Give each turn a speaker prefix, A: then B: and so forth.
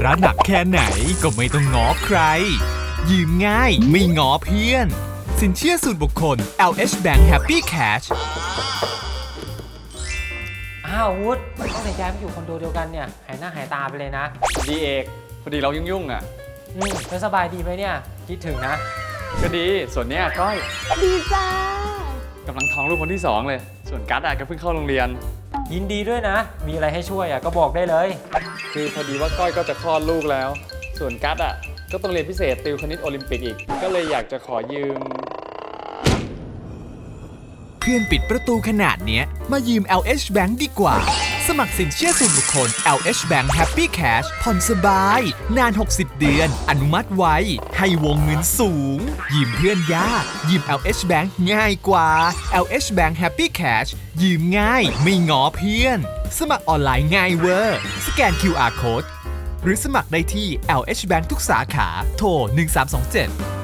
A: ระหนักแค่ไหนก็ไม่ต้องง้อใคร ยืมง่ายไม่ง้อเพื่อน สินเชื่อส่วนบุคคล LH Bank Happy Cash
B: อ้าววุฒิต้องแต่ย้ายมาอยู่คอนโดเดียวกันเนี่ยหายหน้าหายตาไปเลยนะ
C: ดีเอกพอดีเรายุ่งๆอ่ะ
B: แล้วสบายดีไหมเนี่ยคิดถึงนะ
C: ก็ดีส่วนเนี้ยก้อย
D: ดีจ้าก
C: ำลังท้องลูกคนที่ 2เลยส่วนกัสอ่ะก็เพิ่งเข้าโรงเรียน
B: ยินดีด้วยนะ มีอะไรให้ช่วยก็บอกได้เลย
C: คือพอดีว่าก้อยก็จะคลอดลูกแล้ว ส่วนกัสอ่ะก็ต้องเรียนพิเศษติวคณิตโอลิมปิกอีก ก็เลยอยากจะขอยืม
A: เพื่อนปิดประตูขนาดเนี้ยมายืม LH Bank ดีกว่า สมัครสินเชื่อส่วนบุคคล LH Bank Happy Cash ผ่อนสบาย นาน 60 เดือน อนุมัติไว ให้วงเงินสูง ยืมเพื่อนยาก ยืม LH Bank ง่ายกว่า LH Bank Happy Cash ยืมง่ายไม่ง้อเพื่อน สมัครออนไลน์ง่ายเวอร์ สแกน QR Code หรือสมัครได้ที่ LH Bank ทุกสาขา โทร 1327